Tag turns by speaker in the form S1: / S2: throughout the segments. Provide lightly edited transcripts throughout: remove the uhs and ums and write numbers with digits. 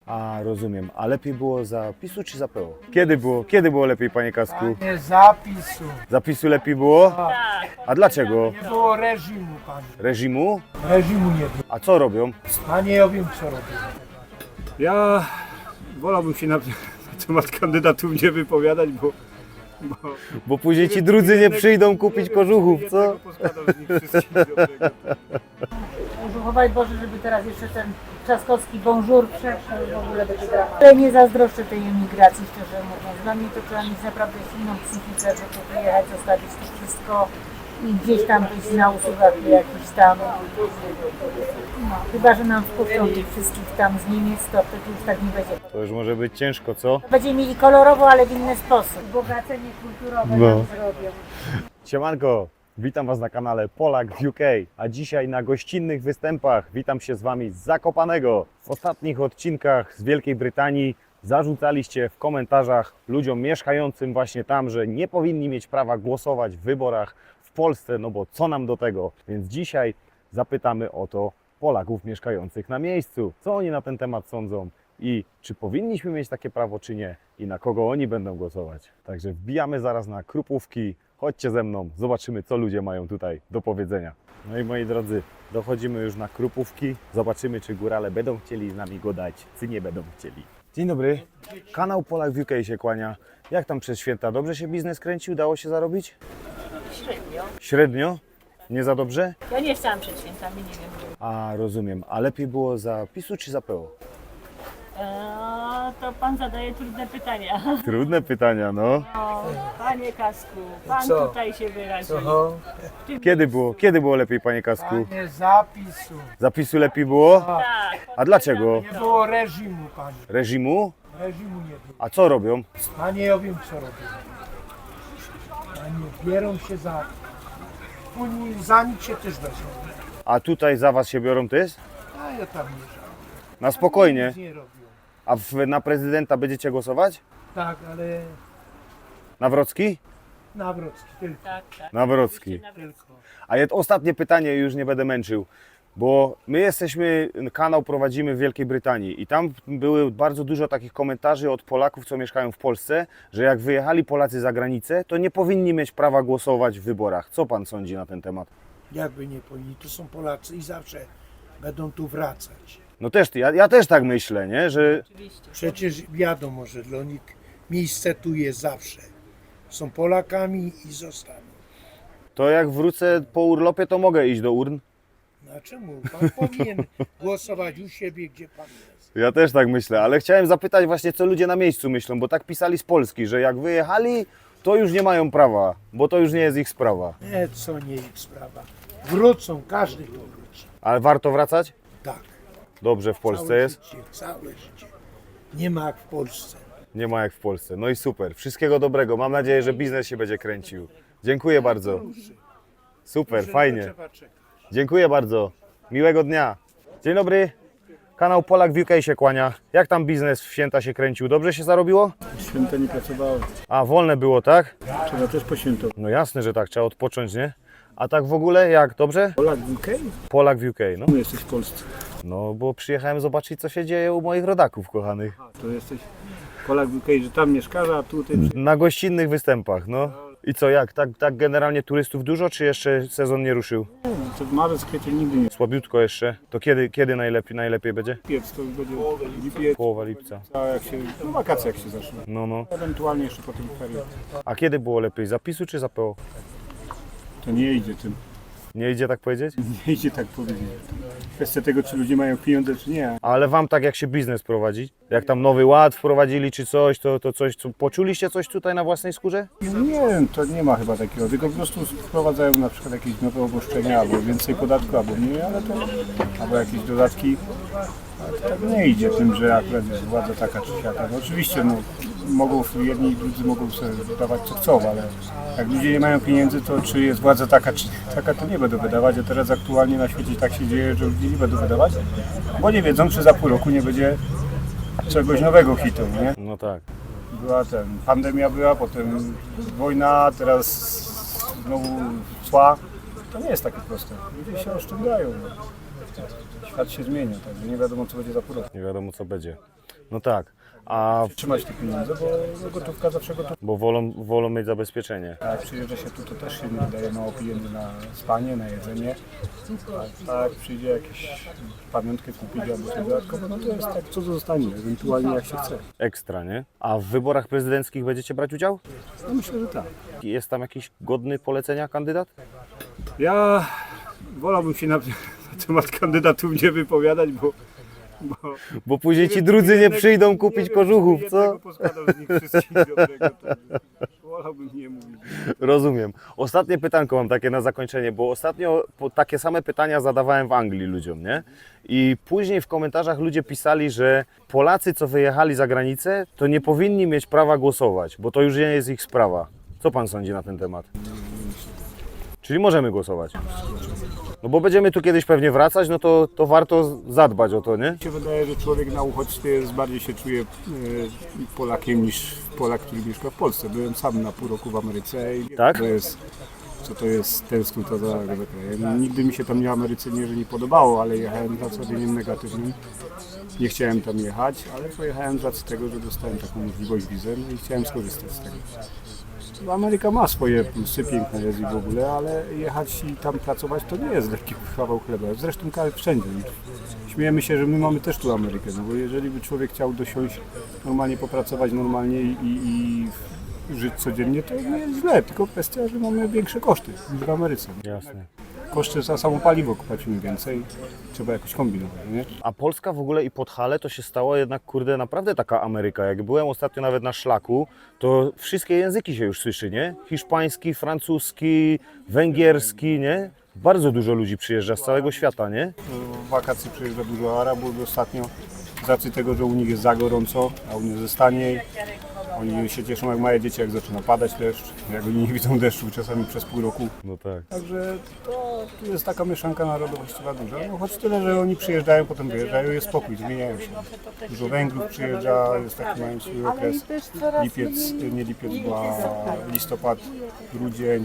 S1: A, rozumiem. A lepiej było za PiS-u czy za PO? Kiedy było lepiej, panie Kasku?
S2: Nie zapisu.
S1: Zapisu lepiej było? A dlaczego?
S2: Nie było reżimu, panie.
S1: Reżimu?
S2: Reżimu nie było.
S1: A co robią?
S2: Panie, ja wiem, co robię.
S3: Ja wolałbym się na temat kandydatów nie wypowiadać, bo
S1: Bo później ci drudzy nie przyjdą kupić kożuchów, co?
S3: jednego poskładam z nich wszystkich dobrego.
S4: Chowaj Boże, żeby teraz jeszcze ten Trzaskowski bonjour przeszedł, w ogóle będzie dramat. Ale nie zazdroszczę tej emigracji, szczerze mówiąc. Dla mnie to trzeba mieć naprawdę silną psychikę, żeby wyjechać, zostawić to wszystko i gdzieś tam być na usługach jakichś tam. No, chyba, że nam wpuszczą tych wszystkich tam z Niemiec, to wtedy już tak nie będzie.
S1: To już może być ciężko, co?
S4: Będziemy mieli kolorowo, ale w inny sposób. Bogacenie kulturowe
S1: No.
S4: nam zrobią.
S1: Siemanko, witam Was na kanale Polak w UK, a dzisiaj na gościnnych występach witam się z Wami z Zakopanego. W ostatnich odcinkach z Wielkiej Brytanii zarzucaliście w komentarzach ludziom mieszkającym właśnie tam, że nie powinni mieć prawa głosować w wyborach w Polsce, no bo co nam do tego? Więc dzisiaj zapytamy o to Polaków mieszkających na miejscu. Co oni na ten temat sądzą i czy powinniśmy mieć takie prawo, czy nie i na kogo oni będą głosować. Także wbijamy zaraz na Krupówki. Chodźcie ze mną, zobaczymy, co ludzie mają tutaj do powiedzenia. No i moi drodzy, dochodzimy już na Krupówki. Zobaczymy, czy górale będą chcieli z nami gadać, czy nie będą chcieli. Dzień dobry, kanał Polak w UK się kłania. Jak tam przez święta? Dobrze się biznes kręci? Udało się zarobić?
S5: Średnio.
S1: Średnio? Nie za dobrze?
S5: Ja nie chciałam przed świętami, nie wiem.
S1: A, rozumiem. A lepiej było za PiS-u czy za PO?
S5: To pan zadaje trudne pytania.
S1: Trudne pytania, no.
S5: O, panie Kasku, pan
S2: Co?
S5: tutaj się wyraził.
S2: Co?
S1: Kiedy było lepiej, panie Kasku?
S2: Panie, zapisu.
S1: Zapisu lepiej było?
S5: Tak.
S1: A dlaczego?
S2: Nie było reżimu, panie.
S1: Reżimu?
S2: Reżimu nie było.
S1: A co robią?
S2: Panie, ja wiem, co robię. Panie, bierą się za... Później za nic się też wezmą.
S1: A tutaj za Was się biorą też?
S2: A ja tam nie żałuję.
S1: Na spokojnie.
S2: Nic nie robią.
S1: A na prezydenta będziecie głosować?
S2: Tak, ale
S1: Nawrocki?
S2: Nawrocki tylko.
S5: Tak, tak.
S1: Nawrocki.
S2: Tylko.
S1: A ostatnie pytanie, już nie będę męczył, bo my kanał prowadzimy w Wielkiej Brytanii i tam były bardzo dużo takich komentarzy od Polaków, co mieszkają w Polsce, że jak wyjechali Polacy za granicę, to nie powinni mieć prawa głosować w wyborach. Co Pan sądzi na ten temat?
S2: Jakby nie powinni, to są Polacy i zawsze będą tu wracać.
S1: No też, ja też tak myślę, nie? Że
S5: Oczywiście.
S2: Przecież wiadomo, że dla nich miejsce tu jest zawsze. Są Polakami i zostaną.
S1: to jak wrócę po urlopie, to mogę iść do urn?
S2: No a czemu? Pan powinien głosować u siebie, gdzie pan jest.
S1: Ja też tak myślę, ale chciałem zapytać właśnie, co ludzie na miejscu myślą, bo tak pisali z Polski, że jak wyjechali, to już nie mają prawa, bo to już nie jest ich sprawa.
S2: Nie, co nie ich sprawa. Wrócą, każdy tu wróci.
S1: Ale warto wracać?
S2: Tak.
S1: Dobrze w Polsce
S2: Całe
S1: jest?
S2: Życie, całe życie. Nie ma jak w Polsce.
S1: Nie ma jak w Polsce. No i super. Wszystkiego dobrego. Mam nadzieję, że biznes się będzie kręcił. Dziękuję bardzo. Super, fajnie.
S2: Trzeba czekać.
S1: Dziękuję bardzo. Miłego dnia. Dzień dobry. Kanał Polak w UK się kłania. Jak tam biznes w święta się kręcił? Dobrze się zarobiło?
S3: Święta nie pracowały.
S1: A, wolne było, tak?
S3: Trzeba też poświętować.
S1: No jasne, że tak. Trzeba odpocząć, nie? A tak w ogóle jak? Dobrze?
S3: Polak w UK?
S1: Polak w UK, no.
S3: Tu jesteś w Polsce.
S1: No, bo przyjechałem zobaczyć, co się dzieje u moich rodaków kochanych.
S3: To jesteś Polak w UK, że tam mieszkasz, a tutaj...
S1: Na gościnnych występach, no. I co, jak? Tak generalnie turystów dużo, czy jeszcze sezon nie ruszył?
S3: To w marzec, kwiecień nigdy nie
S1: Słabiutko jeszcze. To kiedy najlepiej będzie?
S3: lipiec, to już będzie lipiec,
S1: Połowa lipca.
S3: a jak się... No wakacje jak się zaczną.
S1: No, no.
S3: Ewentualnie jeszcze po tym ferie.
S1: A kiedy było lepiej? Za PiS-u czy za PO?
S3: To nie idzie tym.
S1: Nie idzie tak powiedzieć?
S3: Nie idzie tak powiedzieć. Kwestia tego, czy ludzie mają pieniądze, czy nie.
S1: Ale wam tak jak się biznes prowadzi? Jak tam Nowy Ład wprowadzili czy coś, to coś, poczuliście coś tutaj na własnej skórze?
S3: Nie wiem, to nie ma chyba takiego, tylko po prostu wprowadzają na przykład jakieś nowe obostrzenia, albo więcej podatku, albo mniej, ale to, albo jakieś dodatki. Ale to tak nie idzie tym, że akurat jest władza taka czy siaka. No oczywiście, no, jedni i drudzy mogą sobie wydawać co chcą, ale jak ludzie nie mają pieniędzy, to czy jest władza taka czy taka, to nie będą wydawać, a teraz aktualnie na świecie tak się dzieje, że ludzie nie będą wydawać, bo nie wiedzą, czy za pół roku nie będzie czegoś nowego hitu, nie?
S1: No tak.
S3: Pandemia była, potem wojna, teraz znowu cła. To nie jest takie proste. Ludzie się oszczędzają. No. Świat się zmienia, także nie wiadomo, co będzie za pół roku.
S1: Nie wiadomo co będzie. No tak, a
S3: Trzymać te pieniądze, bo gotówka zawsze gotówka.
S1: bo wolą mieć zabezpieczenie.
S3: A jak przyjeżdża się tu, to też się nie wydaje mało pieniędzy na spanie, na jedzenie. A jak przyjdzie jakieś pamiątkę kupić albo coś dodatkowo, no to jest tak, co zostanie, ewentualnie jak się chce.
S1: Ekstra, nie? A w wyborach prezydenckich będziecie brać udział?
S3: No myślę, że tak.
S1: Jest tam jakiś godny polecenia kandydat?
S3: Ja wolałbym się na temat kandydatów nie wypowiadać, bo
S1: Bo później ci drudzy nie przyjdą kupić kożuchów, co?
S3: Poskładał z nich wszystkich dobrego, to wolałbym nie mówić.
S1: Rozumiem. Ostatnie pytanko mam takie na zakończenie, bo ostatnio takie same pytania zadawałem w Anglii ludziom, nie? I później w komentarzach ludzie pisali, że Polacy, co wyjechali za granicę, to nie powinni mieć prawa głosować, bo to już nie jest ich sprawa. Co pan sądzi na ten temat? Czyli możemy głosować. No bo będziemy tu kiedyś pewnie wracać, no to warto zadbać o to, nie?
S3: Mi się wydaje, że człowiek na uchodźstwie bardziej się czuje Polakiem niż Polak, który mieszka w Polsce. Byłem sam na pół roku w Ameryce i wiem,
S1: Tak?
S3: co to jest tęsknota za krajem. Nigdy mi się tam nie Ameryce nie podobało, ale jechałem z nastawieniem negatywnym. Nie chciałem tam jechać, ale pojechałem z racji tego, że dostałem taką możliwość wizy, no i chciałem skorzystać z tego. Bo Ameryka ma swoje plusy, piękne jest i w ogóle, ale jechać i tam pracować to nie jest lekki kawał chleba. Zresztą wszędzie. Śmiejemy się, że my mamy też tu Amerykę, no bo jeżeli by człowiek chciał dosiąść, normalnie popracować normalnie i żyć codziennie, to nie jest źle, tylko kwestia, że mamy większe koszty niż w Ameryce.
S1: Jasne.
S3: Koszty za samo paliwo płacimy więcej, trzeba jakoś kombinować, nie?
S1: A Polska w ogóle i Podhale to się stało jednak, kurde, naprawdę taka Ameryka. Jak byłem ostatnio nawet na szlaku, to wszystkie języki się już słyszy, nie? Hiszpański, francuski, węgierski, nie? Bardzo dużo ludzi przyjeżdża z całego świata, nie?
S3: W wakacji przyjeżdża dużo Arabów ostatnio, z racji tego, że u nich jest za gorąco, a u nich jest taniej. Oni się cieszą jak małe dzieci, jak zaczyna padać deszcz, jak oni nie widzą deszczu czasami przez pół roku.
S1: No tak.
S3: Także to tu jest taka mieszanka narodowościowa duża, no choć tyle, że oni przyjeżdżają, potem wyjeżdżają, jest spokój, zmieniają się. Dużo Węgrów przyjeżdża, jest taki mają swój okres, lipiec, nie lipiec, bo listopad, grudzień.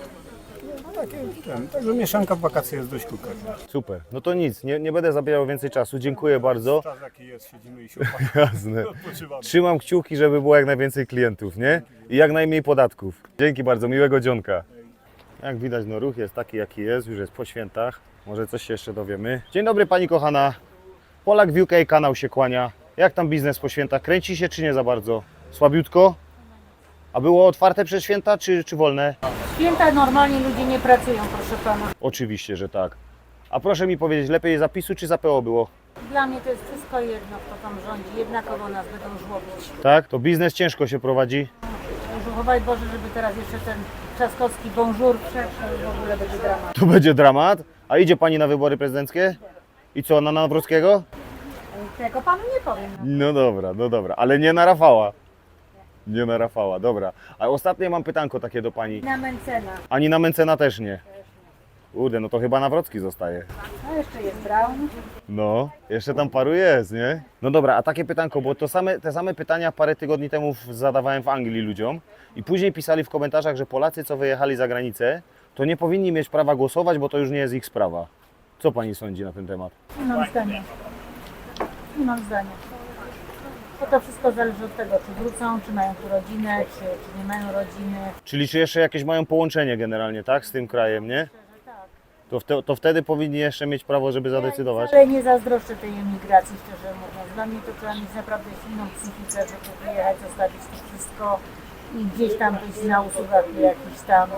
S3: No także mieszanka w wakacje jest dość krótka.
S1: Super. No to nic, nie będę zabierał więcej czasu. Dziękuję bardzo.
S3: Czas jaki jest, siedzimy i się
S1: Jasne.
S3: odpoczywamy.
S1: Trzymam kciuki, żeby było jak najwięcej klientów, nie? I jak najmniej podatków. Dzięki bardzo, miłego dzionka. Jak widać, no ruch jest taki, jaki jest, już jest po świętach. Może coś się jeszcze dowiemy. Dzień dobry pani kochana. Polak w UK, kanał się kłania. Jak tam biznes po świętach? Kręci się czy nie za bardzo? Słabiutko? A było otwarte przez święta czy wolne?
S4: Święta normalnie ludzie nie pracują, proszę pana.
S1: Oczywiście, że tak. A proszę mi powiedzieć, lepiej za PiS-u czy za PO było?
S4: Dla mnie to jest wszystko jedno, kto tam rządzi. Jednakowo nas będą żłobić.
S1: Tak? To biznes ciężko się prowadzi.
S4: Chowaj Boże, żeby teraz jeszcze ten Trzaskowski bonjour przeszedł, w ogóle będzie dramat.
S1: To będzie dramat. A idzie pani na wybory prezydenckie? I co, na Nawrockiego?
S4: Tego panu nie powiem. No.
S1: No dobra, ale nie na Rafała. Nie na Rafała, dobra. A ostatnie mam pytanko takie do pani.
S4: Na Mencena.
S1: Ani na Mencena też nie. Kurde, no to chyba Nawrocki zostaje.
S4: No jeszcze jest Braun.
S1: No, jeszcze tam paru jest, nie? No dobra, a takie pytanko, bo te same pytania parę tygodni temu zadawałem w Anglii ludziom i później pisali w komentarzach, że Polacy, co wyjechali za granicę, to nie powinni mieć prawa głosować, bo to już nie jest ich sprawa. Co pani sądzi na ten temat?
S4: Nie mam zdania. Nie mam zdania. Bo to wszystko zależy od tego, czy wrócą, czy mają tu rodzinę, czy nie mają rodziny.
S1: Czyli czy jeszcze jakieś mają połączenie generalnie, tak, z tym krajem, nie? To wtedy powinni jeszcze mieć prawo, żeby zadecydować.
S4: Ale nie zazdroszczę tej emigracji, szczerze mówiąc. Dla mnie to trzeba mieć naprawdę silną psychikę, żeby wyjechać, zostawić to wszystko i gdzieś tam być na usługach jakichś tam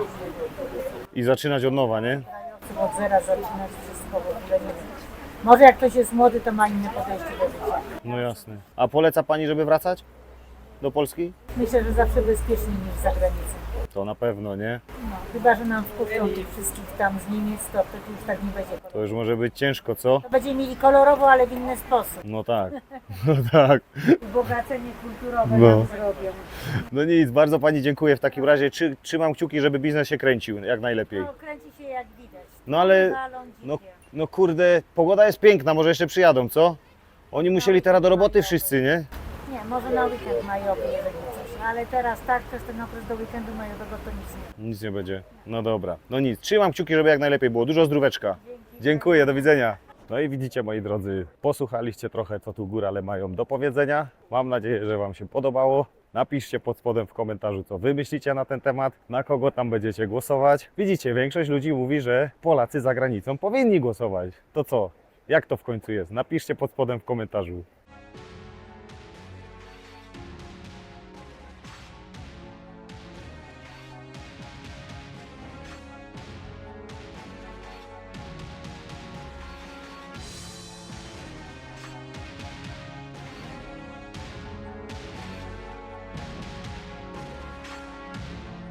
S1: I zaczynać od nowa, nie?
S4: krajowców, od zera zaczynać wszystko w ogóle nie wiem. Może jak ktoś jest młody, to ma inne podejście do życia.
S1: No jasne. A poleca pani, żeby wracać do Polski?
S4: Myślę, że zawsze bezpieczniej niż za granicą.
S1: To na pewno, nie?
S4: No, chyba, że nam wpuszczą tych wszystkich tam z Niemiec, to wtedy już tak nie będzie.
S1: To już może być ciężko, co?
S4: To będziemy mieli kolorowo, ale w inny sposób.
S1: No tak, no tak.
S4: Ubogacenie kulturowe
S1: No.
S4: nam zrobią.
S1: No nic, bardzo pani dziękuję w takim razie. Trzymam kciuki, żeby biznes się kręcił jak najlepiej.
S4: No, kręci się jak widać.
S1: No ale,
S4: Walą
S1: no,
S4: dzikie.
S1: no kurde, pogoda jest piękna, może jeszcze przyjadą, co? Oni musieli teraz do roboty wszyscy, nie?
S4: Nie, może na weekend majowy, jeżeli coś. Ale teraz tak, przez ten okres do weekendu majowego to nic nie.
S1: Nic nie będzie. No dobra, no nic. Trzymam kciuki, żeby jak najlepiej było. Dużo zdróweczka. Dziękuję, do widzenia. No i widzicie, moi drodzy, posłuchaliście trochę, co tu górale mają do powiedzenia. Mam nadzieję, że Wam się podobało. Napiszcie pod spodem w komentarzu, co Wy myślicie na ten temat, na kogo tam będziecie głosować. Widzicie, większość ludzi mówi, że Polacy za granicą powinni głosować. To co? Jak to w końcu jest? Napiszcie pod spodem w komentarzu.